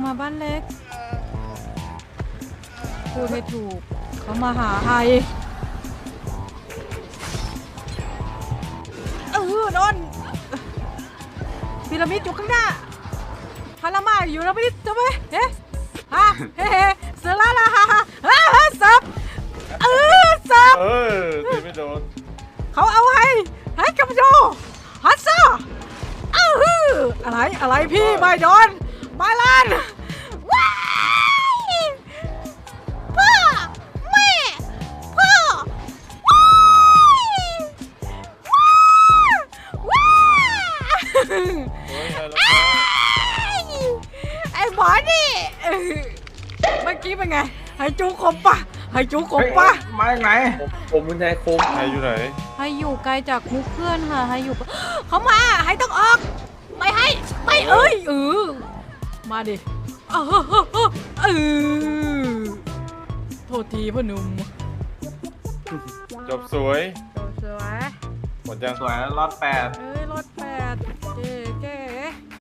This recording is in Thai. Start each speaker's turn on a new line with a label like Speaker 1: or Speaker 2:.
Speaker 1: มาบ้านเล็กพูดให้ถูกเขามาหาใครโดนพีระมิดอยู่ข้างหน้าพารามาอยู่แล้วไม่ได้จะไหมเฮ้เฮ้เสือล่าฮ่าซับซับ
Speaker 2: ตีไม่โดน
Speaker 1: เขาเอาให้กับโยฮัตซ่าอะไรพี่ไม่โดนมาลันว้ายพ่อแม่พ่อว้ายไอ้หมอนี่เมื่อกี้เป็นไงให้จูคมปะให้จูคมปะ
Speaker 3: มาจากไหนผมเป็นนายคม
Speaker 2: ไฮอยู่ไหน
Speaker 1: ให้อยู่ไกลจากมุกเพื่อนค่ะให้อยู่เขามาให้ต้องออกไม่ให้ไม่มาดิโทษทีพ่อหนุ่ม
Speaker 2: จบสวย
Speaker 1: สวย
Speaker 2: หมดยัง
Speaker 3: สวยรอด8
Speaker 1: รอด8เจ๊